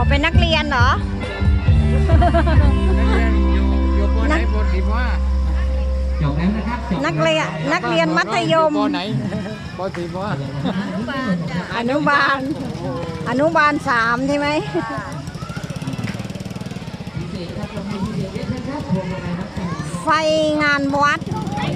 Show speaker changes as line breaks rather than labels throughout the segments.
เป็นนักเรียนเหรอ
นักเรียนอยู่ปไหนป.4 ป.5
จบแล้วนะครับ
นักเรียนมัธยม
ป.ไหนป.4 ป.5
อนุบาล3ใช่ไหมไฟงานวัด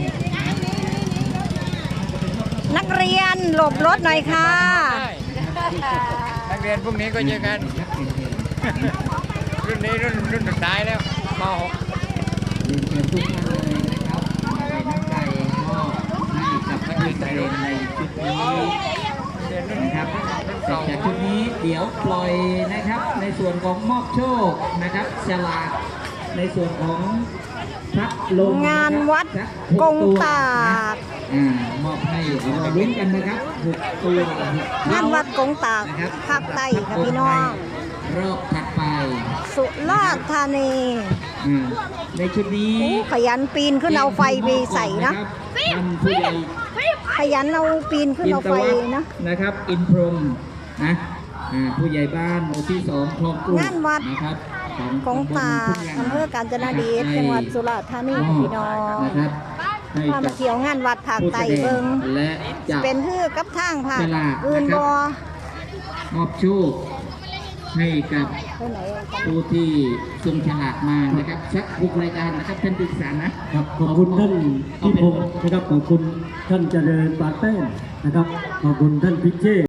นักเรียนหลบรถหน่อยค่ะ
นักเรียนพวกนี้ก็เจอกันรุ่นนี้รุ่นสุดท้ายแล้วม.6
เรียนเชิญทุกท่านเลยนะครับใส่น้ำใจมอบให้กับนักเรียนในชุดนี้นะครับจากชุดนี้เดี๋ยวปล่อยนะครับในส่วนของมอบโชคนะครับฉลากในส่วนของพัดลม
งานวัดกงตาก
มอบให้เราลุ้นกันนะครับ6 ตัว
งานวัดกงตากภาคใต้ค่ะพี่น้อง
รอบถัดไป
สุราษฎร์ธานี
ในชุดนี้
ขยันปีนขึ้นเอาไฟไปใส่นะ
ท่านผู้ใหญ่
ขยันเอาปีนขึ้นเอาไฟนะ
นะครับอินพรหมนะผู้ใหญ่บ้านหมู่ที่2คลองกรุง
งานวัด
นะครับ
กงตากอำเภอกาญจนดิตจังหวัดสุราษฎร์ธานีค่ะพี่น้อง
นะครับให้
พามาเที่ยวงานวัดภาค
ผู้
ใต้
แสด
เบิ
ง
ง
และจะ
เป็นเพื่อกับทางภาค
ฉลาก
อื่น
นะครับ
บ่
มอบโชคให้กับ
ไปไหนกัน
ผู้ที่ส่งฉลากมานะครับสัก6 รายการนะครับท่านปรึกษานะครับ
ขอบคุณท่านพิพงศ์นะครับขอบคุณท่านเจริญปานแป้นนะครับขอบคุณท่านพิเชษ